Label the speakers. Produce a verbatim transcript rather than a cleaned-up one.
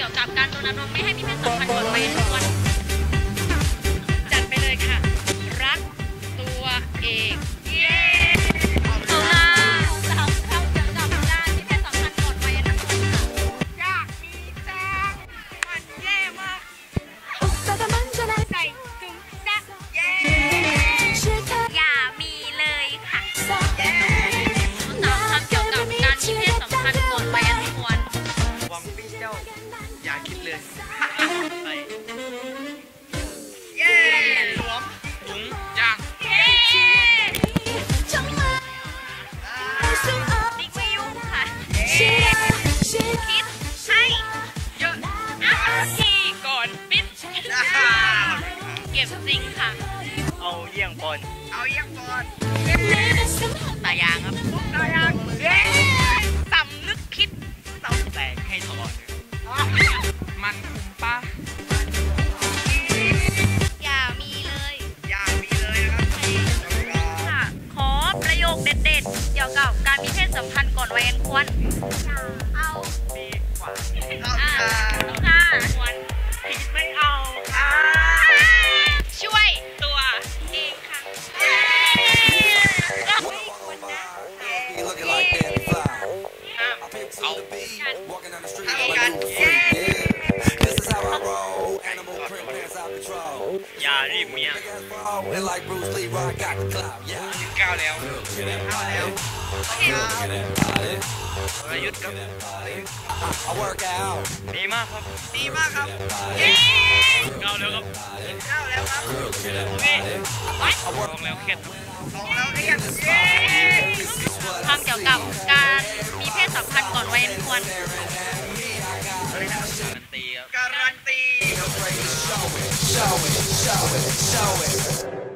Speaker 1: ยวกับการรณรงค์ไม่ให้มีเพศสัมพันธ์ก่อนวัยอันควรจัดไปเลยค่ะรักตัวเองเย้เอาล่ะสาวเข้าเกี่ยวกับการมีเพศสัมพันธ์ก่อนวัยอันควรค่ะอยากมีจังมันแย่มากใส่ถุงซักเย้อย่ามีเลยค่ะสามคำเกี่ยวกับการมีเพศสัมพันธ์ก่อนวัยอันควร
Speaker 2: หวังพี่เจ้าอย่าคิดเลยไปเย้หลวมถุงยาง
Speaker 1: เย้ดิกไม่ยุ่งค่ะคิดให้เยอะทีก่อนปิดเก็บจริงค่ะ
Speaker 2: เอาเยี่ยงปอนเอาเยี่ยงปอน
Speaker 1: ตายางครับ
Speaker 2: ตายาง
Speaker 1: สำนึกคิด
Speaker 2: สำแตกให้ถอดมันคุ้มป้า
Speaker 1: อย่ามีเลย
Speaker 2: อย่ามีเลยนะครับ
Speaker 1: ค่ะขอประโยคเด็ดๆเกี่ยวกับการมีเพศสัมพันธ์ก่อนวัยอันควรเอา
Speaker 2: ดีกว่า
Speaker 1: เอาค่ะควร
Speaker 2: ผิดไม่เอา
Speaker 1: ช่วยตัวเองค่ะ
Speaker 2: เอากันอย่ารีบเมียก้าวแล้วก้าวแล้วประยุทธ์ครับดีมากครับดีมากครับก้าวแล้วครับก้าวแล้วครับโอเคลองแล้วเครียดลองแล้วเครียด
Speaker 1: ความเกี่ยวกับการมีเพศสัมพันธ์ก่อนวัยอันควร
Speaker 2: การันตีครับการันตี